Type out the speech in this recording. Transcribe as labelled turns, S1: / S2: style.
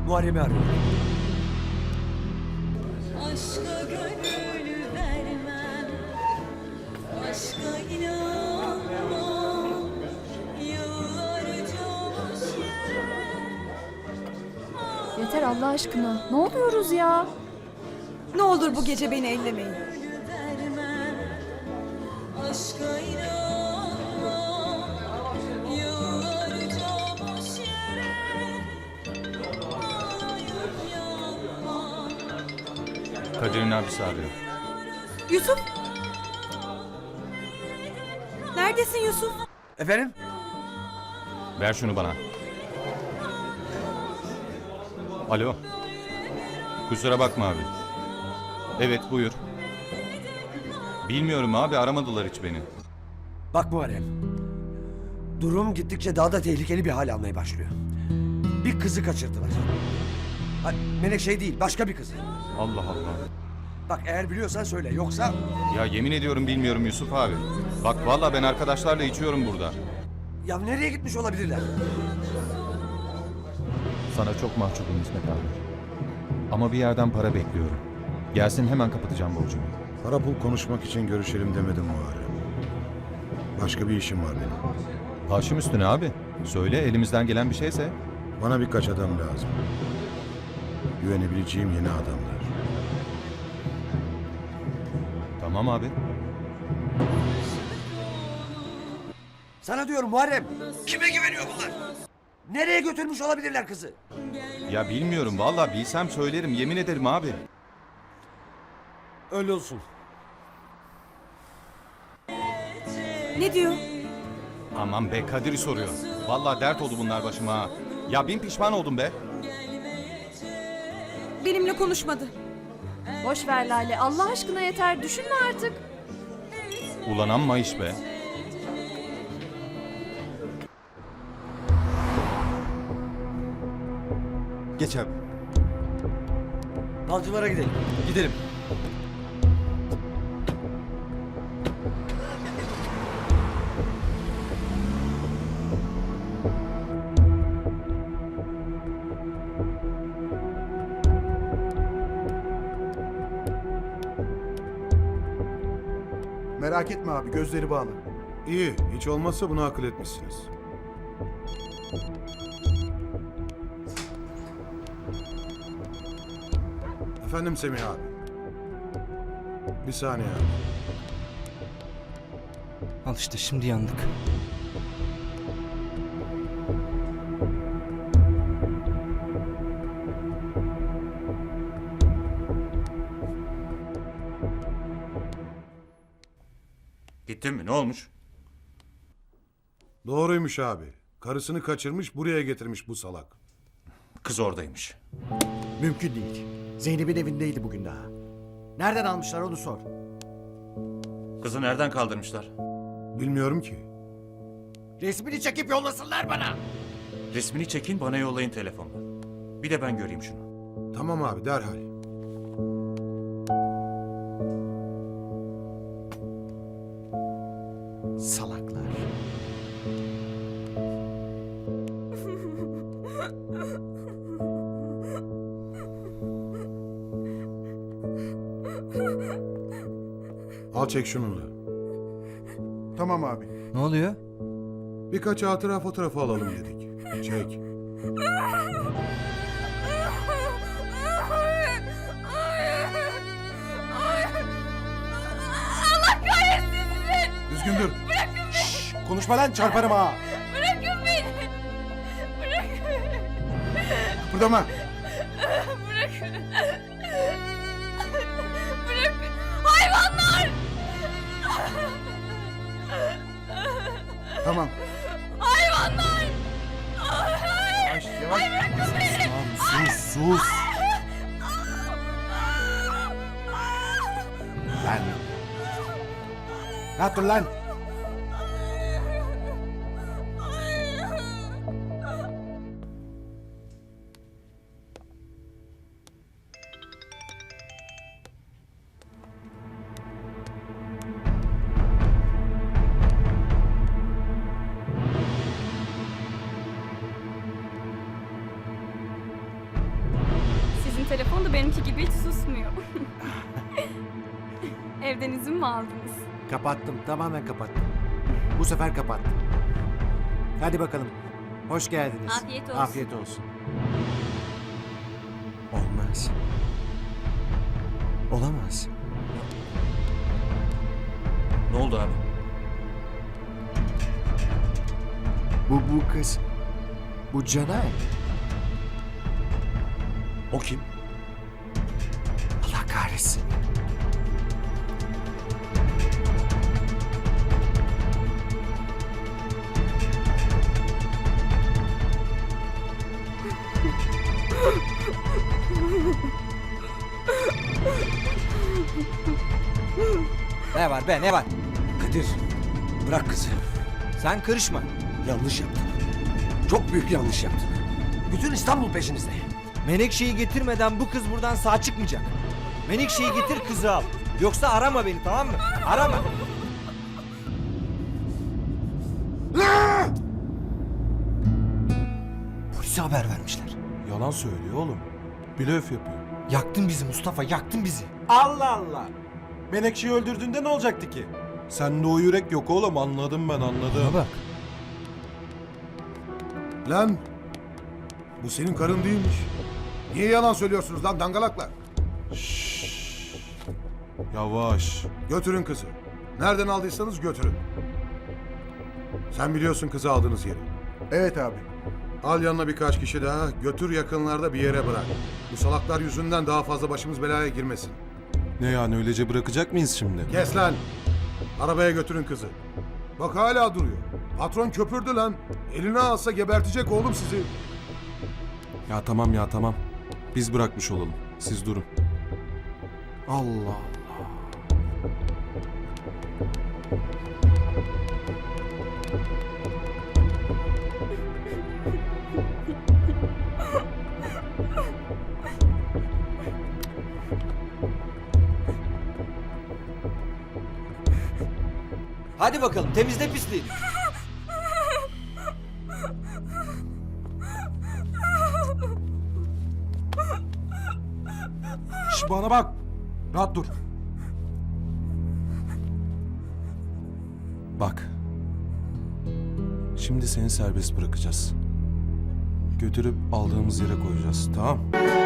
S1: Muharrem'i arıyorum.
S2: Aşka gönül vermem, aşka inanmam, yıllarca boş yere.
S3: Yeter Allah aşkına. Ne oluyoruz ya?
S4: Ne olur bu gece beni ellemeyin.
S2: Vermem, aşka inanmam, yıllarca boş yere. Ağlayıp yanmam.
S5: Kadir'in abisi arıyor.
S4: Yusuf! Neredesin Yusuf?
S1: Efendim?
S5: Ver şunu bana. Alo. Kusura bakma abi. Evet buyur. Bilmiyorum abi, aramadılar hiç beni.
S1: Bak Muharrem. Durum gittikçe daha da tehlikeli bir hal almaya başlıyor. Bir kızı kaçırdılar. Ha, Menekşe değil, başka bir kızı.
S5: Allah Allah.
S1: Bak eğer biliyorsan söyle, yoksa...
S5: Ya yemin ediyorum bilmiyorum Yusuf abi. Bak vallahi ben arkadaşlarla içiyorum burada.
S1: Ya nereye gitmiş olabilirler?
S5: Sana çok mahcubum İsmet abi. Ama bir yerden para bekliyorum. Gelsin hemen kapatacağım borcumu.
S6: Para pul konuşmak için görüşelim demedim Muharrem. Başka bir işim var benim.
S5: Başım üstüne abi. Söyle, elimizden gelen bir şeyse.
S6: Bana birkaç adam lazım. Güvenebileceğim yeni adamlar.
S5: Tamam abi.
S1: Sana diyorum Muharrem. Kime güveniyor bunlar? Nereye götürmüş olabilirler kızı?
S5: Ya bilmiyorum vallahi, bilsem söylerim, yemin ederim abi.
S1: Öyle olsun.
S4: Ne diyor?
S5: Aman be, Kadir'i soruyor. Vallahi dert oldu bunlar başıma ha. Ya bin pişman oldum be.
S4: Benimle konuşmadı.
S3: Boş ver Lale. Allah aşkına yeter. Düşünme artık.
S5: Ulan amma iş be.
S7: Geç abi.
S1: Balcılara gidelim.
S7: Gidelim.
S8: Merak etme abi, gözleri bağlı.
S6: İyi, hiç olmazsa bunu akıl etmişsiniz. Efendim Semih abi. Bir saniye abi.
S7: Al işte, şimdi yandık.
S5: Gittin mi? Ne olmuş?
S6: Doğruymuş abi. Karısını kaçırmış, buraya getirmiş bu salak.
S5: Kız oradaymış.
S9: Mümkün değil. Zeynep'in evindeydi bugün daha. Nereden almışlar onu sor.
S5: Kızı nereden kaldırmışlar?
S6: Bilmiyorum ki.
S9: Resmini çekip yollasınlar bana.
S5: Resmini çekin, bana yollayın telefonla. Bir de ben göreyim şunu.
S6: Tamam abi, derhal.
S9: Salaklar.
S6: Al çek şununla.
S8: Tamam abi.
S7: Ne oluyor?
S6: Birkaç hatıra fotoğrafı alalım dedik. Çek.
S8: Düzgün dur. Şşş, konuşma lan, çarparım ha.
S2: Bırakın beni. Bırakın.
S8: Kıpırdama.
S2: Bırakın. Bırakın. Hayvanlar.
S8: Tamam.
S2: Hayvanlar.
S8: Yavaş yavaş. Tamam, sus. Lan. Rahat dur lan.
S2: telefon da benimki gibi hiç susmuyor. Evden izin mi aldınız?
S9: Kapattım, tamamen kapattım. Bu sefer kapattım. Hadi bakalım. Hoş geldiniz.
S2: Afiyet olsun.
S9: Afiyet olsun.
S7: Olmaz. Olamaz. Ne oldu abi?
S9: Bu kız. Bu Canay.
S7: O kim?
S9: Allah kahretsin.
S7: Ne var be ne var?
S1: Kadir bırak kızı.
S7: Sen karışma.
S1: Yanlış yaptın. Çok büyük yanlış yaptın. Bütün İstanbul peşinizde.
S7: Menekşe'yi getirmeden bu kız buradan sağ çıkmayacak. Menekşe'yi getir kızı al. Yoksa arama beni tamam mı? Arama. Polise haber vermişler.
S8: Yalan söylüyor oğlum. Blöf yapıyor.
S7: Yaktın bizi Mustafa yaktın bizi.
S8: Allah Allah. Menekşe'yi öldürdüğünde ne olacaktı ki? Sende o yürek yok oğlum, anladım ben, anladım.
S7: Bak.
S6: Lan! Bu senin karın değilmiş. Niye yalan söylüyorsunuz lan dangalaklar?
S8: Yavaş.
S6: Götürün kızı. Nereden aldıysanız götürün. Sen biliyorsun kızı aldığınız yeri.
S8: Evet abi.
S6: Al yanına birkaç kişi daha, götür yakınlarda bir yere bırak. Bu salaklar yüzünden daha fazla başımız belaya girmesin.
S8: Ne yani, öylece bırakacak mıyız şimdi?
S6: Kes lan! Arabaya götürün kızı. Bak hala duruyor. Patron köpürdü lan. Eline alsa gebertecek oğlum sizi.
S8: Ya tamam. Biz bırakmış olalım. Siz durun. Allah Allah.
S7: Hadi bakalım temizle pisliğini.
S8: Şş, bana bak. Rahat dur. Bak. Şimdi seni serbest bırakacağız. Götürüp aldığımız yere koyacağız, tamam?